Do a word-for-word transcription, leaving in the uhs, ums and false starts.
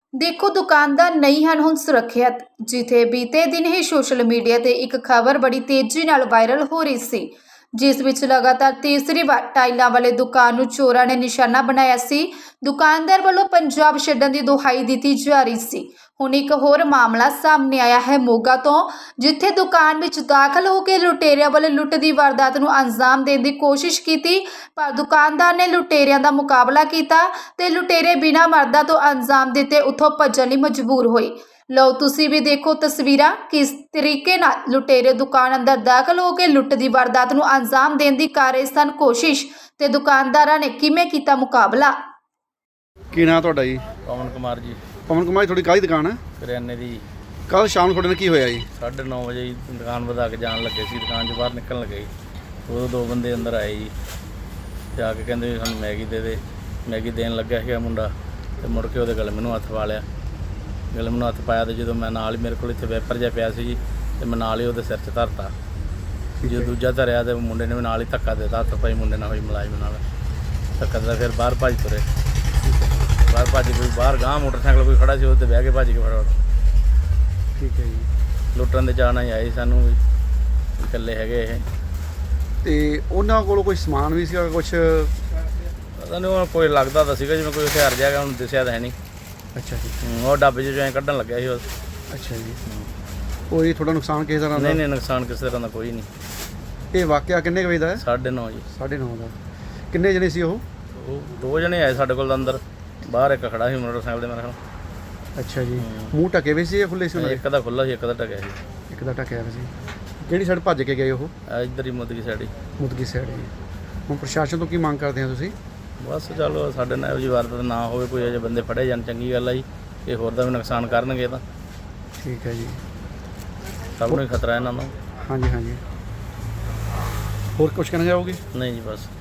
ਦੇਖੋ ਦੁਕਾਨਦਾਰ ਨਹੀਂ ਹਨ ਹੁਣ ਸੁਰੱਖਿਅਤ। ਜਿੱਥੇ ਬੀਤੇ ਦਿਨ ਹੀ ਸੋਸ਼ਲ ਮੀਡੀਆ ਤੇ ਇੱਕ ਖਬਰ ਬੜੀ ਤੇਜ਼ੀ ਨਾਲ ਵਾਇਰਲ ਹੋ ਰਹੀ ਸੀ, ਜਿਸ ਵਿੱਚ ਲਗਾਤਾਰ ਤੀਸਰੀ ਵਾਰ ਟਾਈਲਾਂ ਵਾਲੇ ਦੁਕਾਨ ਨੂੰ ਚੋਰਾਂ ਨੇ ਨਿਸ਼ਾਨਾ ਬਣਾਇਆ ਸੀ। ਦੁਕਾਨਦਾਰ ਵੱਲੋਂ ਪੰਜਾਬ ਛੱਡਣ ਦੀ ਦੁਹਾਈ ਦਿੱਤੀ ਜਾ ਰਹੀ ਸੀ। ਹੁਣ ਇੱਕ ਹੋਰ ਮਾਮਲਾ ਸਾਹਮਣੇ ਆਇਆ ਹੈ ਮੋਗਾ ਤੋਂ, ਜਿੱਥੇ ਦੁਕਾਨ ਵਿੱਚ ਦਾਖਲ ਹੋ ਕੇ ਲੁਟੇਰਿਆਂ ਵੱਲੋਂ ਲੁੱਟ ਦੀ ਵਾਰਦਾਤ ਨੂੰ ਅੰਜਾਮ ਦੇਣ ਦੀ ਕੋਸ਼ਿਸ਼ ਕੀਤੀ, ਪਰ ਦੁਕਾਨਦਾਰ ਨੇ ਲੁਟੇਰਿਆਂ ਦਾ ਮੁਕਾਬਲਾ ਕੀਤਾ ਤੇ ਲੁਟੇਰੇ ਬਿਨਾਂ ਮਰਦਾਂ ਤੋਂ ਅੰਜਾਮ ਦਿੱਤੇ ਉੱਥੋਂ ਭੱਜਣ ਲਈ ਮਜਬੂਰ ਹੋਏ। ਲਓ ਤੁਸੀਂ ਵੀ ਦੇਖੋ ਤਸਵੀਰਾਂ, ਕਿਸ ਤਰੀਕੇ ਨਾਲ ਲੁਟੇਰੇ ਦੁਕਾਨ ਅੰਦਰ ਦਾਖਲ ਹੋ ਕੇ ਲੁੱਟ ਦੀ ਵਾਰਦਾਤ ਨੂੰ ਅੰਜਾਮ ਦੇਣ ਦੀ ਕਰ ਰਹੇ ਸਨ ਕੋਸ਼ਿਸ਼, ਤੇ ਦੁਕਾਨਦਾਰਾਂ ਨੇ ਕਿਵੇਂ ਕੀਤਾ ਮੁਕਾਬਲਾ। ਕੀ ਨਾਂ ਤੁਹਾਡਾ ਜੀ? ਪਵਨ ਕੁਮਾਰ ਜੀ। ਪਵਨ ਕੁਮਾਰ ਜੀ, ਤੁਹਾਡੀ ਕਾਹਦੀ ਦੁਕਾਨ ਹੈ? ਕਰਿਆਨੇ ਦੀ। ਕੱਲ ਸ਼ਾਮ ਨੂੰ ਤੁਹਾਡੇ ਨਾਲ ਕੀ ਹੋਇਆ ਜੀ? ਸਾਢੇ ਨੌ ਵਜੇ ਜੀ ਦੁਕਾਨ ਵਧਾ ਕੇ ਜਾਣ ਲੱਗੇ ਸੀ, ਦੁਕਾਨ 'ਚ ਬਾਹਰ ਨਿਕਲਣ ਲੱਗੇ ਜੀ। ਉਦੋਂ ਦੋ ਬੰਦੇ ਅੰਦਰ ਆਏ ਜੀ, ਤੇ ਆ ਕੇ ਕਹਿੰਦੇ ਵੀ ਸਾਨੂੰ ਮੈਗੀ ਦੇ ਦੇ। ਮੈਗੀ ਦੇਣ ਲੱਗਿਆ ਸੀਗਾ ਮੁੰਡਾ, ਤੇ ਮੁੜ ਕੇ ਉਹਦੇ ਗਲੇ ਮੈਨੂੰ ਹੱਥ ਪਾ ਲਿਆ। ਗਲੇ ਮੈਨੂੰ ਹੱਥ ਪਾਇਆ, ਤੇ ਜਦੋਂ ਮੈਂ ਨਾਲ ਹੀ ਮੇਰੇ ਕੋਲ ਇੱਥੇ ਵੈਪਰ ਜਿਹਾ ਪਿਆ ਸੀ ਜੀ, ਤੇ ਮੈਂ ਨਾਲ ਹੀ ਉਹਦੇ ਸਿਰ 'ਚ ਧਰਤਾ। ਜਦੋਂ ਦੂਜਾ ਧਰਿਆ ਤੇ ਮੁੰਡੇ ਨੇ ਵੀ ਨਾਲ ਹੀ ਧੱਕਾ ਦੇ ਦਿੱਤਾ। ਹੱਥ ਪਾਈ ਮੁੰਡੇ ਨਾਲ ਹੋਈ ਮੁਲਾਜ਼ਮ ਨਾਲ ਧੱਕਾ ਦਿੱਤਾ, ਫਿਰ ਬਾਹਰ ਭੱਜ ਤੁਰੇ। ਬਾਹਰ ਭੱਜ ਕੋਈ ਬਾਹਰ ਗਾਂਹ ਮੋਟਰਸਾਈਕਲ ਕੋਈ ਖੜਾ ਸੀ, ਉਹਦੇ 'ਤੇ ਬਹਿ ਕੇ ਭੱਜ ਕੇ ਫਟਾਫਟ। ਠੀਕ ਹੈ ਜੀ। ਲੁੱਟਣ ਦੇ ਚਾਅ ਨਾਲ ਹੀ ਆਏ ਸਾਨੂੰ ਵੀ, ਇਕੱਲੇ ਹੈਗੇ ਇਹ। ਤੇ ਉਹਨਾਂ ਕੋਲ ਕੋਈ ਸਮਾਨ ਵੀ ਸੀਗਾ ਕੁਛ? ਪਤਾ ਨਹੀਂ, ਉਹ ਕੋਈ ਲੱਗਦਾ ਤਾਂ ਸੀਗਾ ਜਿਵੇਂ ਕੋਈ ਹਥਿਆਰ ਜਿਹਾ ਹੈਗਾ, ਹੁਣ ਦਿਸਿਆ ਤਾਂ ਹੈ ਨਹੀਂ। ਅੱਛਾ ਜੀ। ਉਹ ਡੱਬੇ 'ਚੋਂ ਐਂ ਕੱਢਣ ਲੱਗਿਆ ਸੀ ਉਹ। ਅੱਛਾ ਜੀ। ਕੋਈ ਥੋੜਾ ਨੁਕਸਾਨ ਕਿਸੇ ਤਰ੍ਹਾਂ ਦਾ? ਨਹੀਂ ਨਹੀਂ, ਨੁਕਸਾਨ ਕਿਸੇ ਤਰ੍ਹਾਂ ਦਾ ਕੋਈ ਨਹੀਂ। ਇਹ ਵਾਕਿਆ ਕਿੰਨੇ ਕੁ ਵਜੇ ਦਾ ਹੈ? ਸਾਢੇ ਨੌ ਜੀ। ਸਾਢੇ ਨੌ ਦਾ। ਕਿੰਨੇ ਜਣੇ ਸੀ ਉਹ? ਉਹ ਦੋ ਜਣੇ ਆਏ ਸਾਡੇ ਕੋਲ ਅੰਦਰ, ਬਾਹਰ ਇੱਕ ਖੜਾ ਸੀ ਮੋਟਰਸਾਈਕਲ ਦੇ ਮੇਰੇ ਨਾਲ। ਅੱਛਾ ਜੀ। ਮੂੰਹ ਢਕੇ ਹੋਏ ਸੀ ਜਾਂ ਖੁੱਲੇ ਸੀ ਉਹਨਾਂ ਦੇ? ਇੱਕ ਦਾ ਖੁੱਲ੍ਹਾ ਸੀ, ਇੱਕ ਦਾ ਢਕਿਆ ਸੀ। ਇੱਕ ਦਾ ਢਕਿਆ ਹੋਇਆ ਸੀ। ਕਿਹੜੀ ਸਾਈਡ ਭੱਜ ਕੇ ਗਏ ਉਹ? ਆ ਇੱਧਰ ਹੀ ਮੁੱਦਗੀ ਸਾਈਡ ਹੀ। ਮੁਦਗੀ ਸਾਈਡ ਜੀ। ਹੁਣ ਪ੍ਰਸ਼ਾਸਨ ਤੋਂ ਕੀ ਮੰਗ ਕਰਦੇ ਆ ਤੁਸੀਂ? ਬਸ ਚਲੋ ਸਾਡੇ ਨਾਲ ਇਹੋ ਜਿਹੀ ਵਾਰਦਾਤ ਨਾ ਹੋਵੇ, ਕੋਈ ਇਹੋ ਜਿਹੇ ਬੰਦੇ ਫੜੇ ਜਾਣ, ਚੰਗੀ ਗੱਲ ਆ ਜੀ। ਇਹ ਹੋਰ ਦਾ ਵੀ ਨੁਕਸਾਨ ਕਰਨਗੇ ਤਾਂ ਠੀਕ ਹੈ ਜੀ। ਸਭ ਨੂੰ ਹੀ ਖਤਰਾ ਇਹਨਾਂ ਨੂੰ। ਹਾਂਜੀ ਹਾਂਜੀ। ਹੋਰ ਕੁਝ ਕਹਿਣਾ ਚਾਹੋਗੇ? ਨਹੀਂ ਜੀ ਬਸ।